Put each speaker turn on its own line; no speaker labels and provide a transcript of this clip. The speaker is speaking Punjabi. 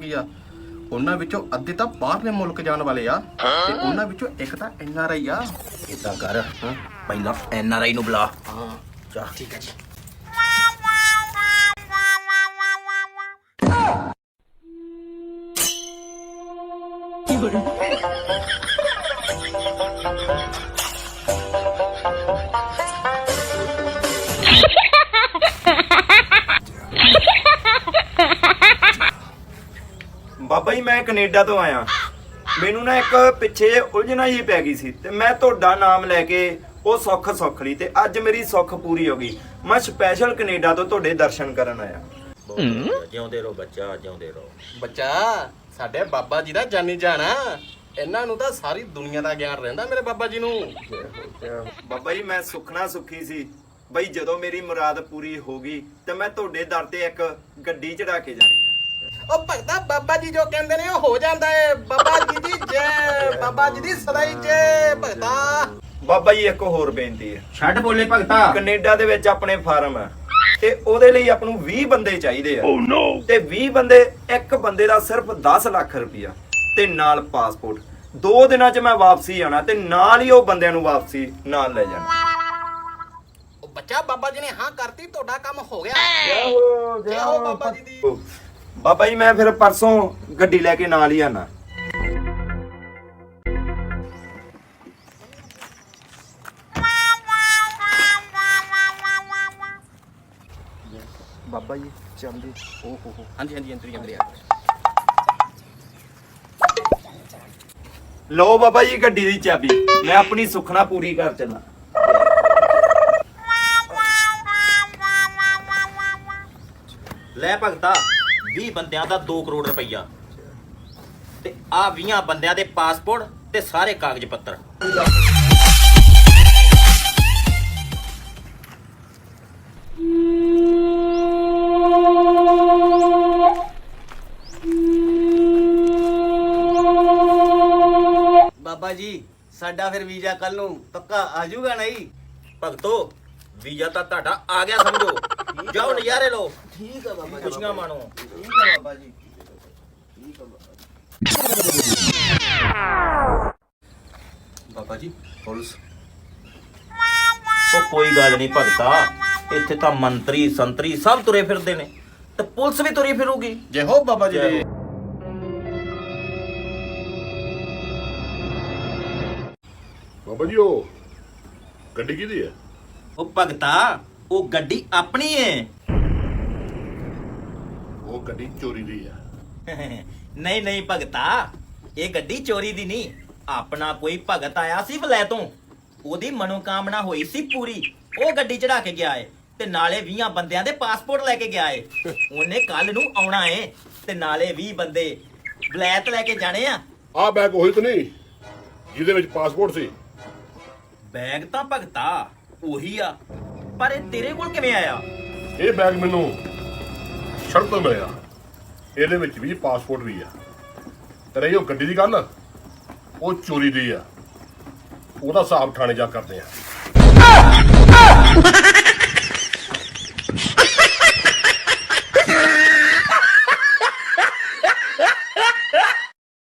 ਕੀ ਆ, ਉਹਨਾਂ ਵਿੱਚੋਂ ਅੱਧੇ ਤਾਂ ਬਾਹਰਲੇ ਮੁਲਕ ਜਾਣ ਵਾਲੇ ਆ ਤੇ ਉਹਨਾਂ ਵਿੱਚੋਂ ਇੱਕ ਤਾਂ NRI ਆ।
ਇਦਾਂ ਕਰ, ਪਹਿਲਾਂ NRI ਨੂੰ ਬੁਲਾ।
ਹਾਂ
ਚਾ
ਠੀਕ ਹੈ ਜੀ।
ਬਾਬਾ ਜੀ ਮੈਂ ਕੈਨੇਡਾ ਤੋਂ ਆਇਆ। ਮੈਨੂੰ ਨਾ ਇੱਕ ਪਿੱਛੇ ਉਲਝਣਾ ਹੀ ਪੈ ਗਈ ਸੀ ਤੇ ਮੈਂ ਤੁਹਾਡਾ ਨਾਮ ਲੈ ਕੇ ਉਹ ਸੁੱਖ ਲਈ ਤੇ ਅੱਜ ਮੇਰੀ ਸੁੱਖ ਪੂਰੀ ਹੋ ਗਈ। ਮੈਂ ਸਪੈਸ਼ਲ ਕੈਨੇਡਾ ਤੋਂ ਤੁਹਾਡੇ ਦਰਸ਼ਨ ਕਰਨ ਆਇਆ।
ਜਿਉਂਦੇ ਰਹੋ ਬੱਚਾ, ਜਿਉਂਦੇ ਰਹੋ।
ਬੱਚਾ ਸਾਡੇ ਬਾਬਾ ਜੀ ਦਾ ਜਾਨੀ ਜਾਣਾ, ਇਹਨਾਂ ਨੂੰ ਤਾਂ ਸਾਰੀ ਦੁਨੀਆ ਦਾ ਗਿਆਨ ਰਹਿੰਦਾ ਮੇਰੇ ਬਾਬਾ ਜੀ ਨੂੰ।
ਬਾਬਾ ਜੀ ਮੈਂ ਸੁਖਣਾ ਸੁਖੀ ਸੀ ਬਈ ਜਦੋਂ ਮੇਰੀ ਮੁਰਾਦ ਪੂਰੀ ਹੋ ਗਈ ਤੇ ਮੈਂ ਤੁਹਾਡੇ ਦਰ ਤੇ ਇੱਕ ਗੱਡੀ ਚੜਾ ਕੇ ਜਾਣੀ।
ਉਹ ਭਗਤਾ ਬਾਬਾ ਜੀ ਜੋ ਕਹਿੰਦੇ ਨੇ ਉਹ ਹੋ ਜਾਂਦਾ ਏ। ਬਾਬਾ ਜੀ ਦੀ ਜੈ, ਬਾਬਾ ਜੀ ਦੀ ਸਦਾਈ ਜੈ। ਭਗਤਾ
ਬਾਬਾ ਜੀ ਇੱਕ ਹੋਰ ਬੇਨਤੀ ਹੈ।
ਛੱਡ ਬੋਲੇ ਭਗਤਾ।
ਕੈਨੇਡਾ ਦੇ ਵਿੱਚ ਆਪਣੇ ਫਾਰਮ ਹੈ ਤੇ ਉਹਦੇ ਲਈ ਆਪਾਂ ਨੂੰ 20 ਬੰਦੇ ਚਾਹੀਦੇ ਆ। ਤੇ 20 ਬੰਦੇ, ਇੱਕ ਬੰਦੇ ਦਾ ਸਿਰਫ 10 ਲੱਖ ਰੁਪਇਆ ਤੇ ਨਾਲ ਪਾਸਪੋਰਟ। 2 ਦਿਨਾਂ 'ਚ ਮੈਂ ਵਾਪਸੀ ਆਣਾ ਤੇ ਨਾਲ ਹੀ ਉਹ ਬੰਦਿਆਂ ਨੂੰ ਵਾਪਸੀ ਨਾਲ ਲੈ ਜਾਣਾ।
ਉਹ ਬੱਚਾ ਬਾਬਾ ਜੀ ਨੇ ਹਾਂ ਕਰਤੀ, ਤੁਹਾਡਾ ਕੰਮ ਹੋ ਗਿਆ।
ਜੈ
ਹੋ ਬਾਬਾ ਜੀ ਦੀ।
ਬਾਬਾ ਜੀ ਮੈਂ ਫਿਰ ਪਰਸੋਂ ਗੱਡੀ ਲੈ ਕੇ ਨਾਲ ਹੀ ਆਣਾ। ਬਾਬਾ ਜੀ ਚਾਹੁੰਦੇ
ਓ ਹੋ ਹਾਂਜੀ ਹਾਂਜੀ ਅੰਦਰ ਹੀ ਅੰਦਰ ਆ।
ਲਓ ਬਾਬਾ ਜੀ ਗੱਡੀ ਦੀ ਚਾਬੀ, ਮੈਂ ਆਪਣੀ ਸੁਖਣਾ ਪੂਰੀ ਕਰ ਚੱਲਾਂ।
ਲੈ ਭਗਤਾ, 20 ਬੰਦਿਆਂ ਦਾ 2 ਕਰੋੜ ਰੁਪਈਆ ਤੇ ਆ 20 ਬੰਦਿਆਂ ਦੇ ਪਾਸਪੋਰਟ ਤੇ ਸਾਰੇ ਕਾਗਜ਼ ਪੱਤਰ।
ਬਾਬਾ ਜੀ ਸਾਡਾ ਫਿਰ ਵੀਜ਼ਾ ਕੱਲ ਨੂੰ ਪੱਕਾ ਆ ਜਾਊਗਾ ਨਹੀਂ?
ਭਗਤੋ ਵੀਜ਼ਾ ਤਾਂ ਤੁਹਾਡਾ ਆ ਗਿਆ ਸਮਝੋ। ਜਾਓ ਨਜ਼ਾਰੇ ਲਓ,
ਠੀਕ ਆ ਬਾਬਾ ਜੀ,
ਖੁਸ਼ੀਆਂ ਮਾਣੋ।
ਠੀਕ ਆ ਬਾਬਾ ਜੀ, ਠੀਕ ਆ
ਬਾਬਾ ਜੀ ਪੁਲਿਸ।
ਉਹ ਕੋਈ ਗੱਲ ਨਹੀਂ ਭਗਤਾ, ਇੱਥੇ ਤਾਂ ਮੰਤਰੀ ਸੰਤਰੀ ਸਭ ਤੁਰੇ ਫਿਰਦੇ ਨੇ ਤੇ ਪੁਲਿਸ ਵੀ ਤੁਰੀ ਫਿਰੂਗੀ।
ਜੈ ਹੋ ਬਾਬਾ ਜੀ ਦੇ।
ਬਾਬਾ ਜੀ ਉਹ ਗੱਡੀ ਕਿਹਦੀ ਹੈ?
ਉਹ ਭਗਤਾ ਉਹ ਗੱਡੀ ਆਪਣੀ ਏ।
ਉਹ ਗੱਡੀ ਚੋਰੀ ਦੀ ਹੈ।
ਨਹੀਂ ਨਹੀਂ ਭਗਤਾ, ਇਹ ਗੱਡੀ ਚੋਰੀ ਦੀ ਨਹੀਂ। ਆਪਣਾ ਕੋਈ ਭਗਤ ਆਇਆ ਸੀ ਵਲੈਤੋਂ, ਉਹਦੀ ਮਨੋਕਾਮਨਾ ਹੋਈ ਸੀ ਪੂਰੀ, ਉਹ ਗੱਡੀ ਚੜਾ ਕੇ ਗਿਆ ਏ ਤੇ ਨਾਲੇ 20 ਬੰਦਿਆਂ ਦੇ ਪਾਸਪੋਰਟ ਲੈ ਕੇ ਗਿਆ ਏ। ਉਹਨੇ ਕੱਲ ਨੂੰ ਆਉਣਾ ਏ ਤੇ ਨਾਲੇ 20 ਬੰਦੇ ਵਲੈਤ ਲੈ ਕੇ ਜਾਣੇ ਆ।
ਆਹ ਬੈਗ ਉਹੀ ਤਾਂ ਨਹੀਂ ਜਿਹਦੇ ਵਿੱਚ ਪਾਸਪੋਰਟ ਸੀ?
ਬੈਗ ਤਾਂ ਭਗਤਾ ਉਹੀ ਆ, ਪਰ ਇਹ ਤੇਰੇ ਕੋਲ ਕਿਵੇਂ ਆਇਆ?
ਇਹ ਬੈਗ ਮੈਨੂੰ ਸੜਕ ਤੋਂ ਮਿਲਿਆ। ਇਹਦੇ ਵਿੱਚ ਵੀ ਪਾਸਪੋਰਟ ਵੀ ਆ। ਤੇ ਰਹੀ ਉਹ ਗੱਡੀ ਦੀ ਗੱਲ, ਉਹ ਚੋਰੀ ਦੀ ਆ। ਉਹਦਾ ਹਿਸਾਬ ਥਾਣੇ ਜਾ ਕਰਦੇ ਆ।